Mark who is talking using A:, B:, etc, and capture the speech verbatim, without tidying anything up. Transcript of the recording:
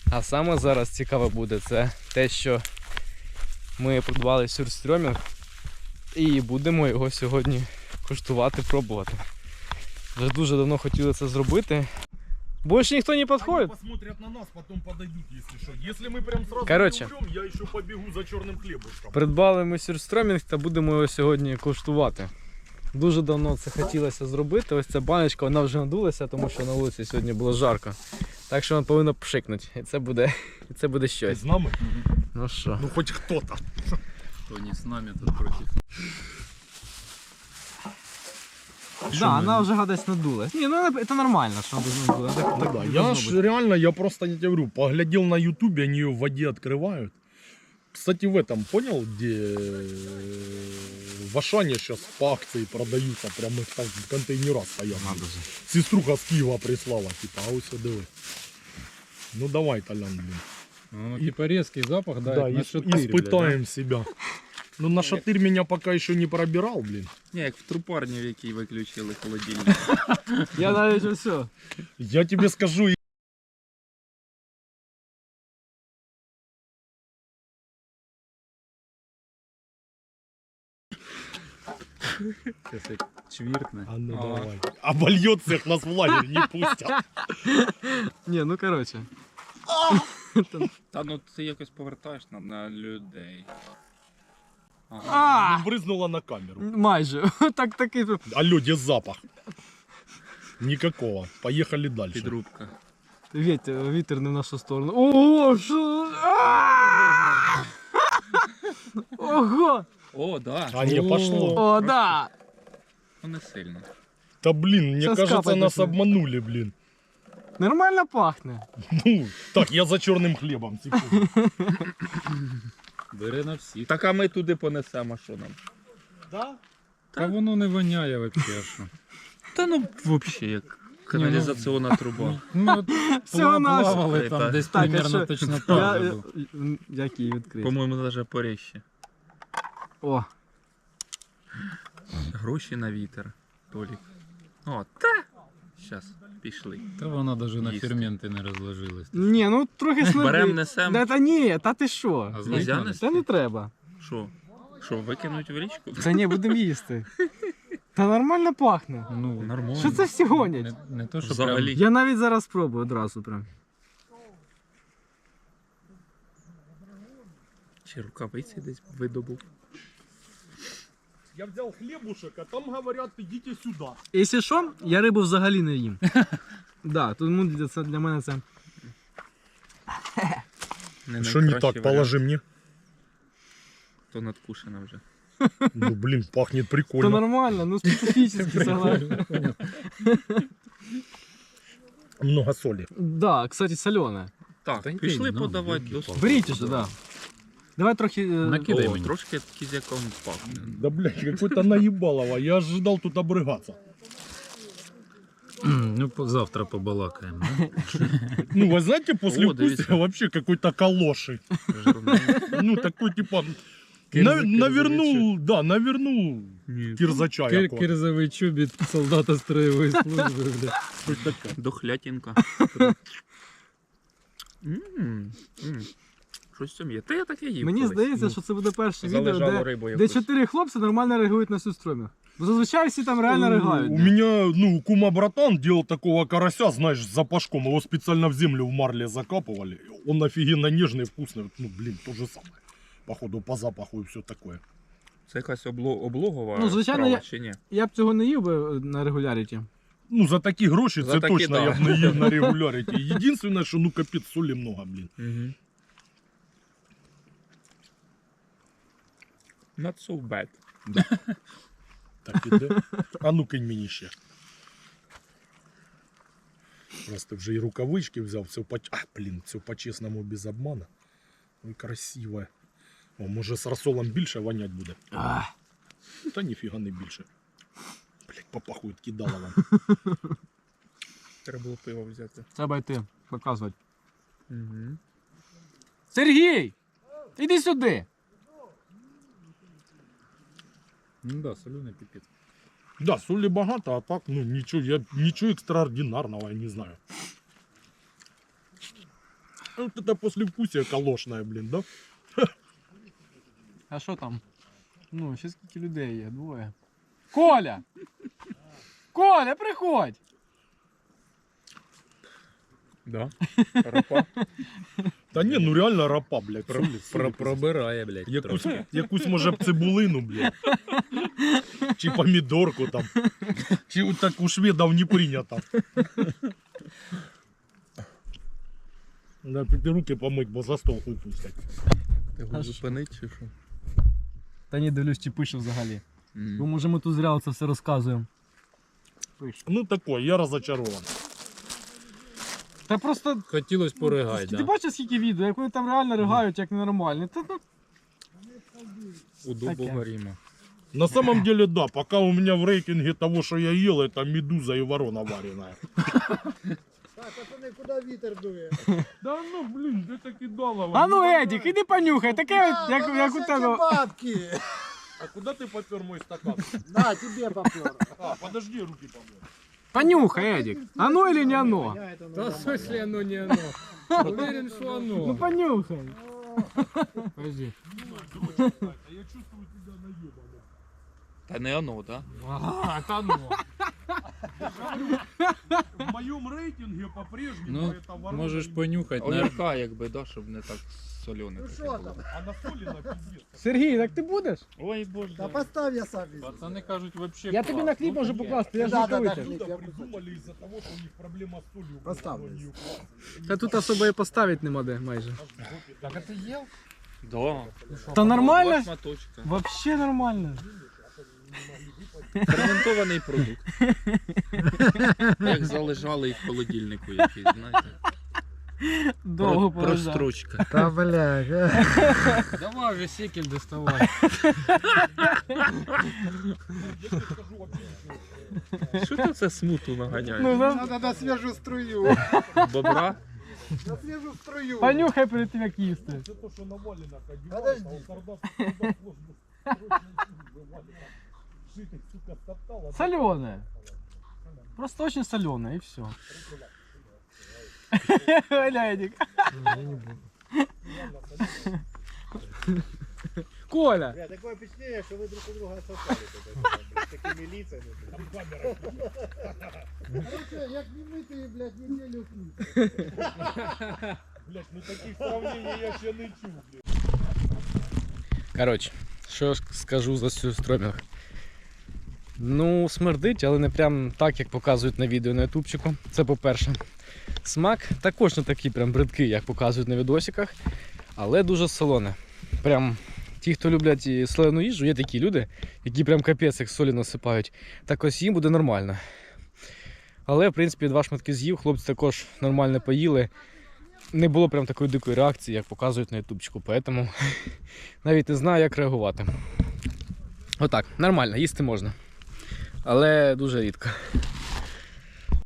A: А саме зараз цікаве буде це те, що ми придбали сюрстрьомінг і будемо його сьогодні куштувати, пробувати. Вже дуже давно хотіли це зробити. Больше ніхто не підходить.
B: Посмотрят на нас, потом подойдут, если что. Если мы прям сразу
A: Короче,
B: не умрем, я еще побегу за черным хлебушком.
A: Придбали ми сюрстрьомінг та будемо його сьогодні куштувати. Дуже давно це хотілося зробити. Ось ця баночка, вона вже надулася, тому що на вулиці сьогодні було жарко. Так що вона повинна пшикнути. І це буде, і це буде щось.
B: З нами?
A: Ну що?
B: Ну хоть кто-то.
C: Кто не с нами, тот против.
A: Да, вона вже гадась надулась. Ні, ну це нормально, що вона надула. Так, так,
B: Да,
A: так
B: я ж реально, я просто не тебе говорю, поглядел на ютубе, они ее в воде открывают. Кстати, в этом, понял, где в Ашане сейчас по акции продаются, прям их там в контейнерах стоят. Сеструха с Киева прислала, типа, а ось диви. Ну давай, Толян, блин.
C: Ну, типа резкий запах, да,
B: Да,
C: на
B: ис-
C: шатырь,
B: испытаем себя. Ну на шатырь меня пока еще не пробирал, блин.
D: Ні, як в трупарні, в якій виключили холодильник.
A: Я навіть все.
B: Я тебе скажу,
C: Сейчас я чвиркну.
B: а ну
D: А.
B: давай. Обольет всех нас в лагерь, не пустят.
A: Ні, ну коротше.
D: Та ну ти якось повертаєш на, на людей. Ага.
A: А!
B: Ну, брызнула на камеру.
A: Майже. Так, такий.
B: Алло, где запах? Никакого. Поехали дальше.
D: Підрубка.
A: Вітер, вітер не в нашу сторону. Ого, що? А! Ого!
D: О, да.
B: А не пошло.
A: О, да!
D: Ну не сильно.
B: Да блин, мне
A: Сейчас
B: кажется,
A: капать
B: нас
A: начнет.
B: обманули, блин.
A: Нормально пахне.
B: Ну, так, я за черным хлебом. Секунду.
C: Бери на всіх.
D: Так а ми туди понесемо, що нам?
B: Да?
C: Та воно не воняє вообще, що.
D: Та ну взагалі як каналізаційна труба.
C: Ну, от
A: Всього
C: пла-
A: нашого.
C: плавали там
D: Так,
C: десь
A: так, а
C: примерно
A: що?
C: точно
A: Я,
C: так же
A: я,
C: був.
A: як її відкрити?
D: По-моєму, навіть поріще.
A: О,
D: Гроші на вітер. Толік. О, та! Щас, пішли.
C: Та вона навіть на
D: Їсти.
C: ферменти не розложилась.
A: ні, ну трохи смердить.
D: Берем, несем.
A: Да, та ні, та ти що?
C: А
D: Нельзя
C: злить
D: нести?
A: Та не треба.
D: Що? Що, викинуть в річку?
A: Та ні, будемо їсти. Та нормально пахне.
C: Ну,
D: Нормально.
A: Що це всі гонять?
C: Не, не то, що
D: Взагалі.
A: Я навіть зараз спробую одразу прям.
D: Чи рукавиці десь видобув?
B: Я взял хлебушек, а там говорят, идите сюда.
A: Якщо що, я рибу взагалі не їм. Да, тому для, це, для мене це.
D: Не
B: Что не
D: найкращий
B: так,
D: варіант.
B: положи мне.
D: То надкушено вже.
B: Ну блин, пахнет
A: То
B: прикольно.
A: нормально, ну специфічно, согласен.
B: Много соли.
A: Да, кстати, солене.
D: Так,
C: Та ні,
D: пішли
C: ну,
D: подавати
C: ну,
D: до
C: ну,
A: Беріть уже, да. Давай трохи. е,
C: Накидай
D: О,
C: мені.
D: трошки кізяком пахне.
B: Да блядь, какой-то наебалово. Я ожидал тут обрыгаться.
C: Ну, по- завтра побалакаємо. да?
B: Ну, вы знаете, после
D: О, дивіться.
B: вкуса вообще какой-то калоши.
D: Жирний.
B: Ну, такой типа...
C: Кирза-
B: на-
C: кирзовый
B: навернул, да, навернул
D: Ні.
B: кирзача
C: Кир-
B: якого.
C: Кирзовий чобіт солдата строєвої служби, бля.
B: Щось таке.
D: Дохлятінка. М, м. Щось там є. Та я таке їв.
A: Мені
D: колись.
A: здається, що це буде перше відео,
D: Залежало
A: де,
D: рибу
A: де
D: якусь.
A: чотири хлопці нормально реагують на сюрстрьомінг. Бо зазвичай всі там реально реагають.
B: У
A: да.
B: меня, ну, кума-братан делал такого карася, знаешь, с запашком. Его специально в землю в марле закапывали. Он офигенно нежный, вкусный. Ну, блин, то же самое. Походу, по запаху и все такое.
D: Це якась обло... облогова
A: Ну, звичайно,
D: справа
A: я-
D: чи ні?
A: Я б цього не їв би на регуляріті.
B: Ну, за такі гроші,
D: За
B: це
D: такі,
B: точно
D: да.
B: я б не їв на регуляріті. Єдине, що ну капець, солі много, блін.
D: Угу. Not so bad.
B: Так іде. А ну кинь мені ще. Просто вже і рукавички взяв, все по... А, блін, все по-чесному, без обмана. Ой, красиве. О, може з рассолом більше вонять буде.
A: Ах.
B: Та ніфіга не більше. Блять, попахують, кидала вам.
D: Треба було пиво взяти.
A: Треба йти, показувати.
D: Угу.
A: Сергій! Іди сюди!
C: Ну да, соленый пипец.
B: Да, солі багато, а так, ну нічого, я нічого екстраординарного, я не знаю. Вот это послевкусие калошное, блин, да?
A: А що там? Ну, ще скільки людей є, двоє. Коля! Коля, приходь!
D: Да? Рапа?
B: Та ні, ну реально рапа, блядь.
C: Про,
B: Солі,
C: про,
B: солі,
C: пробирає, блядь.
B: Якусь,
C: трошки.
B: якусь може б цибулину, блядь. Чи помідорку там. Чи от так у шведів не прийнято. Надо піти руки помить, бо за стол хуй пустять.
D: Ти його зупинить чи що?
A: Та ні, дивлюсь, чи пише взагалі.
D: М.
A: Бо може ми тут зря це все розказуємо. Пише.
B: Ну такой, я разочарован.
A: Та просто...
C: Хотілось поригай,
A: Ти
C: да?
A: бачиш скільки відео, як вони там реально ригають, як ненормальні. Та, ну,
C: У дубового
A: Таке.
C: Ріма.
B: На самом деле, да, пока у меня в рейтинге того, что я ел, это медуза и ворона вареная.
E: Так, пацани, куди вітер дує?
B: Да ну, блин, де ти кидала?
A: А ну, Едік, іди понюхай, таке, як, як у тебе.
E: бабки.
B: А куда ты попер мой стакан?
E: На, тебе попер.
B: А, подожди, руки помой.
A: Понюхай, Едік. Оно или не оно?
C: Та в смысле оно не оно? Уверен, що оно.
A: Ну понюхай. Подожди.
B: А я чувствую тебя наебанным.
D: Та не оно, да?
A: Ага, та ну.
B: В моем рейтинге по-прежнему
C: Ну,
B: это ворона.
C: можеш
B: и-
C: понюхати. на-
D: Огірка, якби, да, щоб не так солене.
E: Ну
D: таке
E: що
D: було.
E: там?
B: А на соли на пиздец.
A: Сергій, так ти будеш?
D: Ой, боже.
E: Та постав я сам візьму.
C: Пацани кажуть, вообще
A: Я тобі на хліб можу покласти, я ж
E: Да, да,
A: не
E: да,
A: витягну.
E: хліб.
B: Блюдо придумали из-за того, что у них проблема с солью.
E: Поставлю.
B: Они укладывают.
A: Та тут особо і поставити нема де майже.
B: Так а ты ел?
D: Да.
A: Та нормально?
D: Два шматочка.
A: Вообще нормально.
D: Ферментований продукт. Як залежали в холодильнику якийсь, знаєте.
A: Довго
D: Про-
A: полежав.
D: Прострочка.
E: Та бля.
C: Давай вже сікель доставай.
D: Що ти це смуту наганяєш?
A: Ну, да.
E: Надо на свіжу струю.
D: Бобра?
E: На свіжу струю.
A: Понюхай перед тим, як їсти.
B: Это то, что навалено одевают,
E: Подожди.
B: а у Сардас сразу срочно вывалит. Житель, сука, стоптал, а
A: Соленое. Просто очень соленое и все. Лядик. Коля.
E: Бля, такое впечатление, что вы друг у друга сосали. Такими лицами.
B: там камера.
E: Короче, як не митий, блядь, неделю пить.
B: Блять, ну таких сравнений я ще не чув, блядь.
A: Коротше, що ж скажу за цю стромінг. Ну, смердить, але не прям так, як показують на відео на ютубчику. Це по-перше. Смак також не такий прям бридкий, як показують на відосиках, але дуже солоне. Прям ті, хто люблять і солену їжу, є такі люди, які прям капець як солі насипають. Так ось їм буде нормально. Але, в принципі, два шматки з'їв, хлопці також нормально поїли. Не було прям такої дикої реакції, як показують на ютубчику, поэтому навіть не знаю, як реагувати. Отак, нормально, їсти можна. Але дуже рідко.